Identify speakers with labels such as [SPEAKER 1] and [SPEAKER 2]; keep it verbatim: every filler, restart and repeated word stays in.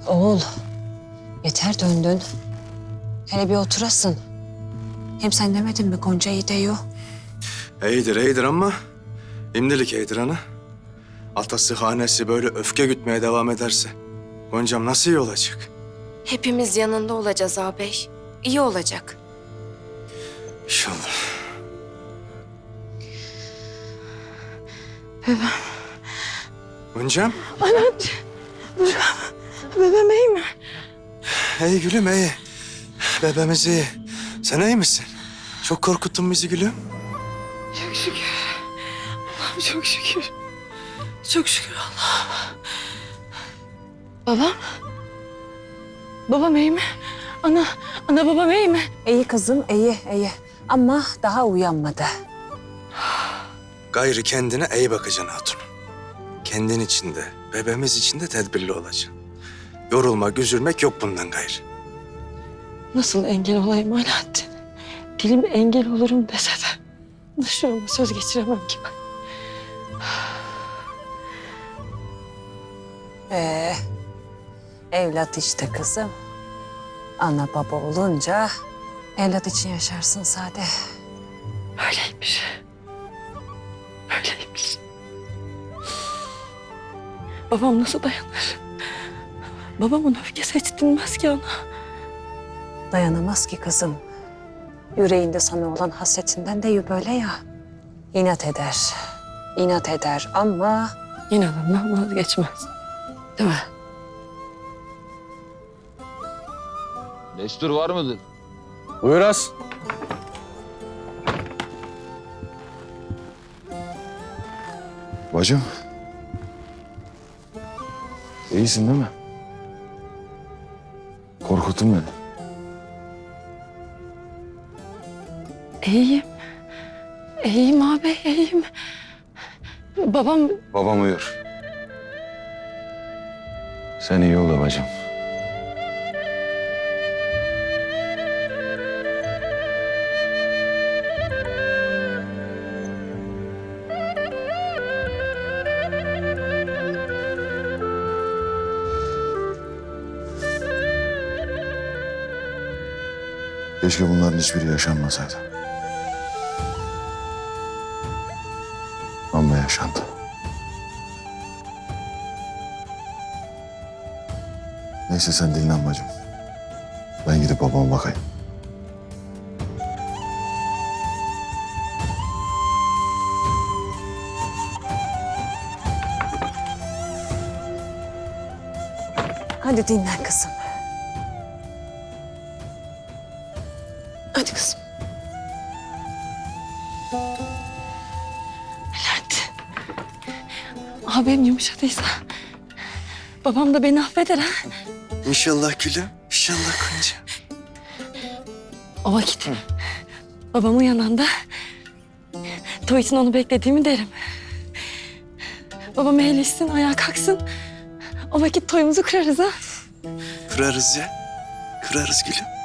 [SPEAKER 1] Oğul, yeter döndün. Hele bir oturasın. Hem sen demedin mi Gonca iyi diyor.
[SPEAKER 2] İyidir, iyidir ama imdilik iyidir ana. Atası, hanesi böyle öfke gütmeye devam ederse Goncam nasıl iyi olacak?
[SPEAKER 3] Hepimiz yanında olacağız ağabey. İyi olacak.
[SPEAKER 2] İnşallah.
[SPEAKER 3] Bebem.
[SPEAKER 2] Goncam,
[SPEAKER 3] Anacığım. Bebem. Bebem iyi mi?
[SPEAKER 2] iyi gülüm iyi. Bebeğimiz iyi. Sen iyi misin? Çok korkuttun bizi gülüm.
[SPEAKER 3] Çok şükür. Allah'ım çok şükür. Çok şükür Allah'ım. Babam? Babam iyi mi? Ana, ana babam iyi mi?
[SPEAKER 1] İyi kızım, iyi, iyi. Ama daha uyanmadı.
[SPEAKER 2] Gayrı kendine iyi bakacaksın hatun. Kendin için de, bebeğimiz için de tedbirli olacaksın. Yorulmak, üzülmek yok bundan gayrı.
[SPEAKER 3] Nasıl engel olayım Alaaddin? Dilim engel olurum dese de dışarıma söz geçiremem ki ben.
[SPEAKER 1] Ee, evlat işte kızım. Ana baba olunca evlat için yaşarsın sade.
[SPEAKER 3] Öyleymiş. Öyleymiş. Babam nasıl dayanır? Babamın öfkesi hiç dinmez ki ana.
[SPEAKER 1] Dayanamaz ki kızım. Yüreğinde sana olan hasretinden de böyle ya. İnat eder. İnat eder ama
[SPEAKER 3] İnadından vazgeçmez. Değil mi?
[SPEAKER 4] Destur var mıdır?
[SPEAKER 2] Buyur az.
[SPEAKER 5] Bacım. İyisin değil mi? Korkuttun beni.
[SPEAKER 3] İyiyim. İyiyim abi, iyiyim. Babam
[SPEAKER 5] Babam uyur. Sen iyi ol da bacım. Keşke bunların hiçbiri yaşanmasaydı. Ama yaşandı. Neyse sen dinlen bacım. Ben gidip babama bakayım.
[SPEAKER 1] hadi dinlen kızım.
[SPEAKER 3] hadi kızım. Bülent. Abim yumuşadıysa babam da beni affeder ha.
[SPEAKER 2] İnşallah gülüm, inşallah Gonca.
[SPEAKER 3] O vakit babam uyananda toy için onu beklediğimi derim. Babam eğleşsin, ayağa kalksın. O vakit toyumuzu kırarız ha.
[SPEAKER 2] Kırarız ya, kırarız gülüm.